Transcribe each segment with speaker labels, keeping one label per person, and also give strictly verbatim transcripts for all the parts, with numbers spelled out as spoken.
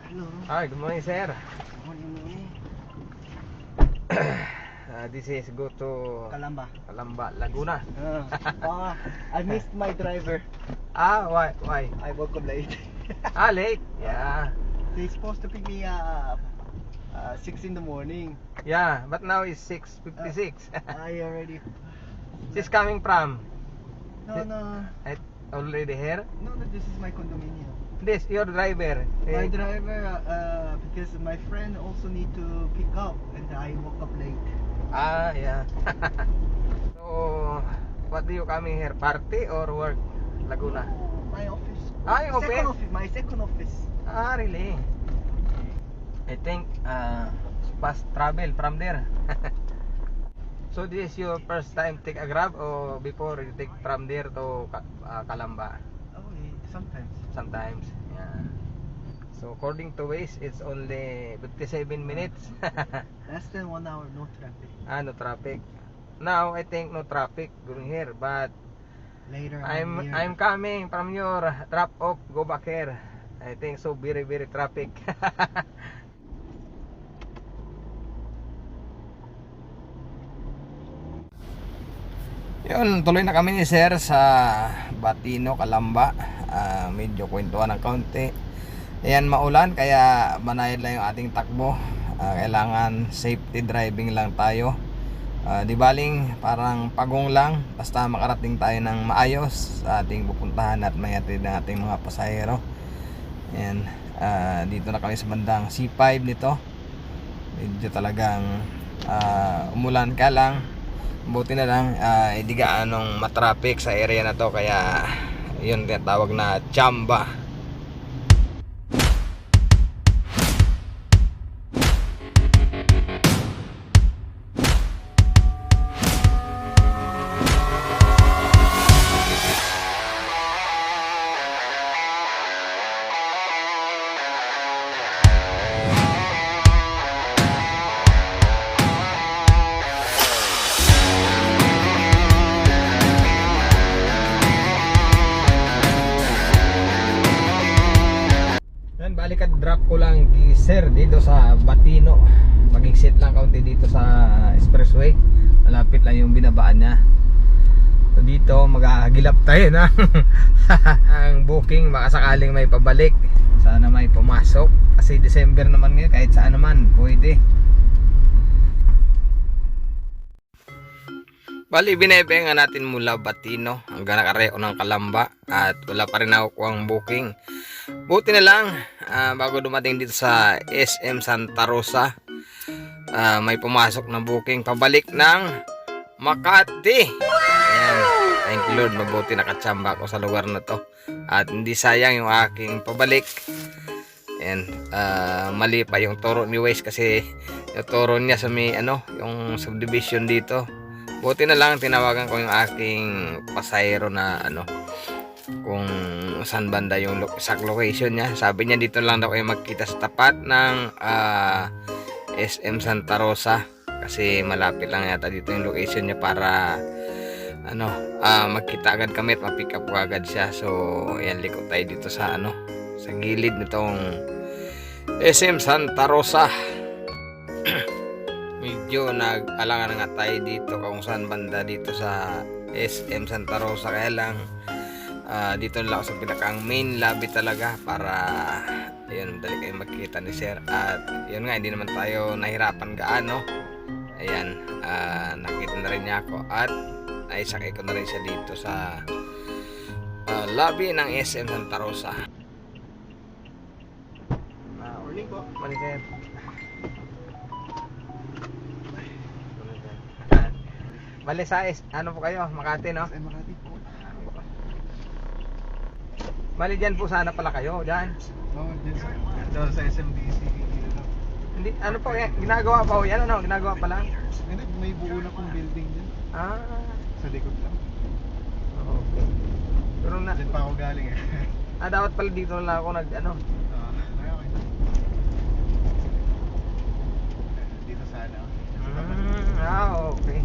Speaker 1: Hello.
Speaker 2: Hi, good morning, sir.
Speaker 1: Morning, morning.
Speaker 2: Uh, this is go to
Speaker 1: Calamba.
Speaker 2: Calamba, Laguna.
Speaker 1: Uh, ah, I missed my driver.
Speaker 2: Ah, why? Why?
Speaker 1: I woke up late.
Speaker 2: Ah, late. Yeah,
Speaker 1: He's supposed to pick me up uh, six in the morning.
Speaker 2: yeah. But now it's six fifty-six.
Speaker 1: I already.
Speaker 2: She's coming from.
Speaker 1: No, no,
Speaker 2: I already here.
Speaker 1: no, no. This is my condominium.
Speaker 2: This your driver.
Speaker 1: My
Speaker 2: Eh,
Speaker 1: driver, uh, because my friend also need to pick up, and I woke up late.
Speaker 2: Ah, yeah. So, what do you coming here? Party or work? Laguna.
Speaker 1: My office.
Speaker 2: Ah, yung
Speaker 1: second
Speaker 2: office?
Speaker 1: office. My second office.
Speaker 2: Ah, really? I think uh, fast travel from there. So this is your first time take a Grab or before you take from there to Ka- uh, Calamba?
Speaker 1: Oh, yeah, sometimes.
Speaker 2: Sometimes, yeah. So according to Waze, it's only fifty-seven minutes.
Speaker 1: Less than one hour, no traffic.
Speaker 2: Ah, no traffic. Now I think no traffic going here, but
Speaker 1: Later
Speaker 2: I'm
Speaker 1: on here.
Speaker 2: I'm coming from your drop off, go back here. I think so very very traffic. Yun, tuloy na kami ni Sir sa Batino, Calamba. Ah, medyo kwentuhan ng kaunti. Ayan, maulan kaya banayad lang yung ating takbo. Ah, kailangan safety driving lang tayo. Ah, di baling parang pagong lang basta makarating tayo ng maayos sa ating pupuntahan at mayatid ng ating mga pasahero. Ayan, ah, dito na kami sa bandang C five nito. Medyo talagang ah, umulan ka lang. Buti na lang uh, hindi gaanong matraffic sa area na to, kaya yun tinatawag na chamba. Balik at drop ko lang di Sir dito sa Batino. Mag-exit lang kaunti dito sa expressway. Malapit lang yung binabaan niya. So dito maghahagilap tayo na ang booking, baka sakaling may pabalik. Sana may pumasok kasi December naman ngayon, kahit saan naman pwede. Bali, binayabangan natin mula Batino hanggang nakareo ng Calamba at wala pa rin nakukuha ang booking. Buti na lang, uh, bago dumating dito sa S M Santa Rosa, uh, may pumasok na booking pabalik ng Makati. Ayan, thank you Lord, mabuti nakatsamba ako sa lugar na to at hindi sayang yung aking pabalik. Ayan, uh, mali pa yung turo ni Waze kasi yung turo niya sa may ano, yung subdivision dito. Buti na lang tinawagan ko yung aking pasahero na ano, kung saan banda yung exact location niya. Sabi niya dito lang daw kayo magkita sa tapat ng uh, S M Santa Rosa kasi malapit lang yata dito yung location niya para ano, uh, magkita agad kami at ma-pick up ko agad siya. So ayan, liko tayo dito sa ano, sa gilid nitong S M Santa Rosa. Medyo nag-alangan nga tayo dito kung saan banda dito sa S M Santa Rosa, kaya lang uh, dito lang ako sa pinakang main lobby talaga para ayun, dali kayo magkita ni Sir. At yun nga, hindi naman tayo nahirapan gaano. Ayan, uh, nakita na rin niya ako at naisakay ko na rin siya dito sa uh, lobby ng S M Santa Rosa.
Speaker 1: Uh, morning po.
Speaker 2: Morning, Sir. Bale sa is, ano po kayo? Makati, no?
Speaker 1: Ay, Makati po.
Speaker 2: Bale dyan po sana pala kayo, dyan.
Speaker 1: Oh, dyan sa, dyan sa S M B C.
Speaker 2: Hindi, ano po, yan, ginagawa pa ho yan, ano? Ginagawa pa lang?
Speaker 1: Hindi, may buo na kong building dyan.
Speaker 2: Ah,
Speaker 1: Sa likod lang.
Speaker 2: okay. Pero na,
Speaker 1: Dyan pa ako galing eh.
Speaker 2: ah, dapat pala dito na lang ako nag, ano?
Speaker 1: Ah, okay. Dito sana.
Speaker 2: Mm, ah, okay.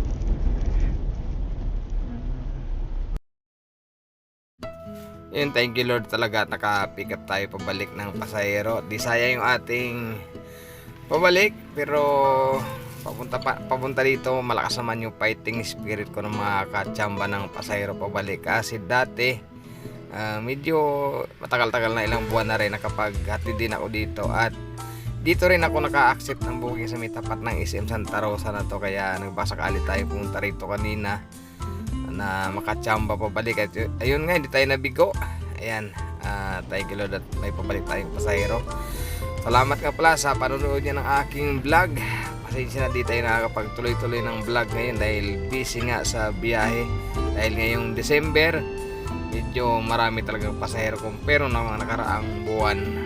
Speaker 2: Yun, thank you Lord talaga at naka-pick up tayo pabalik ng pasahero. Di sayang yung ating pabalik, pero papunta pa, papunta dito malakas naman yung fighting spirit ko ng mga katsamba ng pasahero pabalik. Kasi dati uh, medyo matagal-tagal na, ilang buwan na rin nakapaghatid din ako dito, at dito rin ako naka-accept ng booking sa may tapat ng S M Santa Rosa na to, kaya nagbasakali tayo pumunta rito kanina na makatsamba pabalik. At ayun nga, hindi tayo nabigo. Ayan, uh, thank you Lord at may pabalik tayong pasahero. Salamat nga pala sa panonood niya ng aking vlog. Pasensya na di tayo nakakapagtuloy-tuloy ng vlog ngayon dahil busy nga sa biyahe. Dahil ngayong December, medyo marami talagang pasahero compare ng mga nakaraang buwan.